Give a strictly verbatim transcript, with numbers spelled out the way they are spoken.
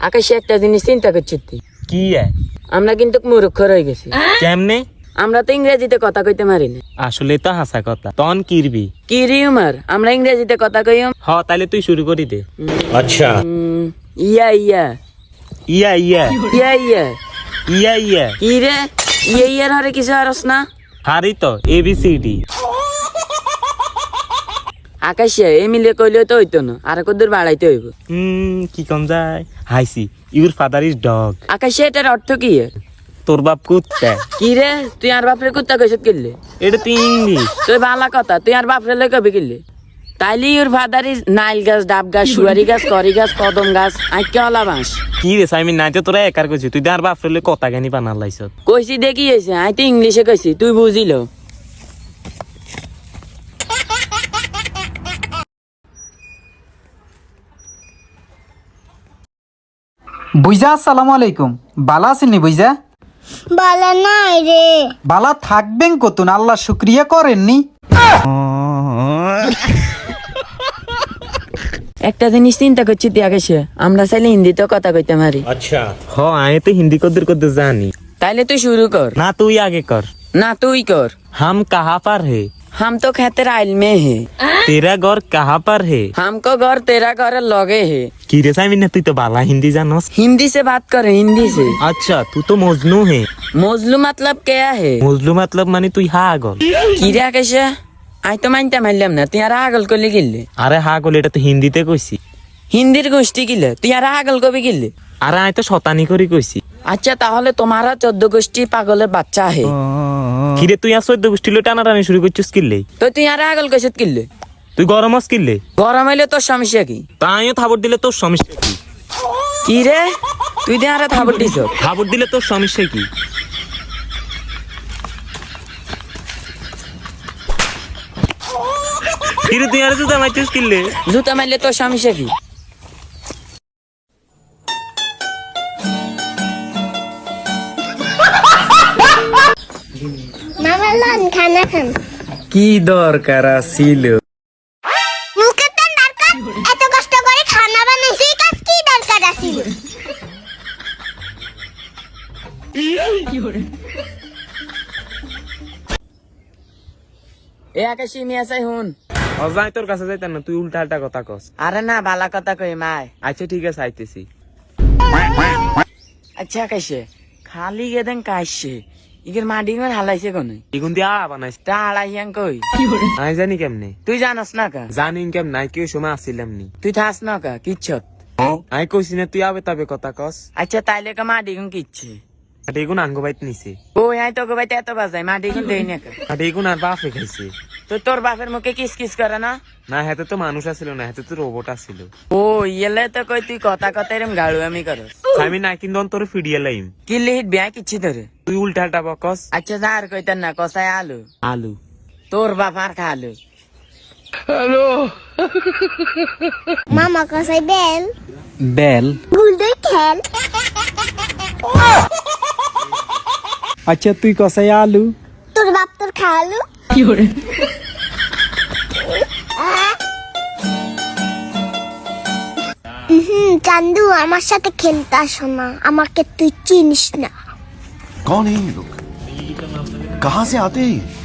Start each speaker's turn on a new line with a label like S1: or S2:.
S1: আকাশে একটা জিনিস চিন্তা করছি তুই
S2: কি
S1: আমরা কিন্তু মূর্খ হয়ে গেছি।
S2: কেমনে?
S1: আমরা তো ইংরেজিতে কথা কইতে পারি না।
S2: আসলে তো হাসা কথা তন কিরবি
S1: কি রিউমার আমরা ইংরেজিতে কথা কইম।
S2: হ তাইলে তুই শুরু করি দে। আচ্ছা
S1: উম, ইয়া ইয়া
S2: ইয়া ইয়া
S1: ইয়া ইয়া
S2: ইয়া ইয়া
S1: কি রে ইয়া ইয়ার হরে কিছু আরস না?
S2: হারি তো এ বি সি ডি।
S1: আকাশে এ মিলে কইলে তো হইতো না, আর কদ্দুর বাড়াইতে হইব।
S2: হুম কি কম যায় হাইসি ইউর ফাদার ইজ ডগ।
S1: আকাশে এটার অর্থ কি?
S2: তোর বাপ কুত্তা।
S1: কি রে তুই আর বাপরে কুত্তা কইছত কিনলে?
S2: এটা তুই ইংলিশ।
S1: তুই ভালা কথা, তুই আর বাপরে লই কবি কিনলে? তাইলে ইউর ফাদার ইজ নাইল গাছ, ডাব গাছ, সুয়ারি গাছ, করি গাছ, কদম গাছ, আইকে হলা বাঁশ।
S2: কি রে সাইমিন নাই তো তোরা একার কইছিস, তুই আর বাপ ফেলে কথা জ্ঞানী বানার লাইছত।
S1: কইছি দেখি হয়েছে, আই তো ইংলিশে কইছি, তুই বুঝিল।
S3: বুইজা আসসালামু আলাইকুম। বালা আছেননি বুইজা?
S4: বালা নাই রে।
S3: বালা থাকবেন কতুন, আল্লাহ শুক্রিয়া করেননি?
S1: একটা জিনিস চিন্তা করছি তুই আকাশে, আমরা চাইলে হিন্দিতেও কথা কইতে পারি।
S2: আচ্ছা হ আমি তো হিন্দি কদ্দুর কদ্দুর জানি।
S1: তাইলে তুই শুরু কর।
S2: না তুই আগে কর।
S1: না তুই কর।
S2: हम कहाँ पर है?
S1: हम तो खेते राइल में है।
S2: तेरा घर कहाँ पर है?
S1: हमको घर तेरा घर लगे है।
S2: की रे साइमिन তুই তো বালা হিন্দি জানোস।
S1: हिंदी से बात कर, हिंदी से।
S2: अच्छा तू तो मजनू है।
S1: मजलू मतलब क्या है?
S2: मजलू मतलब মানে তুই হাগল।
S1: কি রে আকাশে, আই তো মানতে মারলাম না, তুই আর আগল করলে গিললে।
S2: আরে হাগল এটা তো হিন্দিতে কইছি।
S1: হিন্দির গোষ্ঠী গিলে তুই আর আগল কবি গিললে।
S2: আরে আমি তো শতানি করে কইছি।
S1: আচ্ছা তাহলে তোমারা চোদ্দ গোষ্ঠী পাগলের বাচ্চা হে।
S2: কি রে তুই আর চোদ্দ গোষ্ঠী লো টানাটানি শুরু করছিস কিনলে?
S1: তো তুই আর আগল কইছত কিললে?
S2: তুই গরম হস কিনলে?
S1: গরম হইলে তোর সমস্যা কি?
S2: তাইও থাবর দিলে তোর সমস্যা কি?
S1: কি রে তুই দে আর থাবর দিছ।
S2: থাবর দিলে তোর সমস্যা কি? কি রে তুই আর জুতা মারছিস কিনলে?
S1: জুতা মারলে তোর সমস্যা কি?
S4: মামা লন খানা খান।
S3: কি দরকার ছিল?
S4: মুখে তো দরকার, এত কষ্ট করে খানা বানাইছি, কাজ কি দরকার আছিল?
S1: এ আকাশি মিয়া চাই হুন।
S2: অজাই তোর কাছে যাইতাম না, তুই উল্টা আল্টা কথা কস।
S1: আরে না বালা কথা কই মায়।
S2: আচ্ছা ঠিক আছে আইতেছি।
S1: আচ্ছা আকাশে খালি গেদেন কাইছে ইগের মাটি ঘর হালাইছে কোন?
S2: ইগুন দিয়া বানাইস।
S1: তা হালাইয়াং কই?
S2: আমি জানি কেমনে।
S1: তুই জানাস না কা?
S2: জানি কেম নাই কেউ সময় আসছিলাম নি।
S1: তুই থাস না কা কিচ্ছত?
S2: আমি কইছি না তুই আবে তবে কথা কস।
S1: আচ্ছা তাইলে কা মাটি গুন কিচ্ছে?
S2: আর এগুন আঙ্গ বাইত নিছে।
S1: ও আই তো বাইতে এত বাজাই মাটি গুন দেই না কা?
S2: আর এগুন আর বাপে খাইছে।
S1: তো তোর বাপের মুখে কিস কিস করে না?
S2: না হাতে তো মানুষ আসছিল না, হাতে তো রোবট আসছিল।
S1: ও ইয়েলে তো কই তুই কথা কথা এরম গাড়ু আমি করস।
S2: আমি না কিন্তু তোর ফিডিয়ে লাইম।
S1: কি লিহিত বিয়া কিচ্ছি ধরে?
S2: তুই উল্টা আল্টা বকস।
S1: আচ্ছা যা আর কইতেন না, কষায় আলু।
S2: আলু
S1: তোর বাপার খালু।
S4: মামা কসাই বেল
S3: বেল?
S4: গুলদই খেল।
S3: আচ্ছা তুই কসাই আলু?
S4: তোর বাপ তোর খালু।
S1: কি করে?
S4: হুম চান্দু আমার সাথে খেলতে আসো না, আমাকে তুই চিনিস না।
S5: कौन है ये लोग? कहाँ से आते हैं?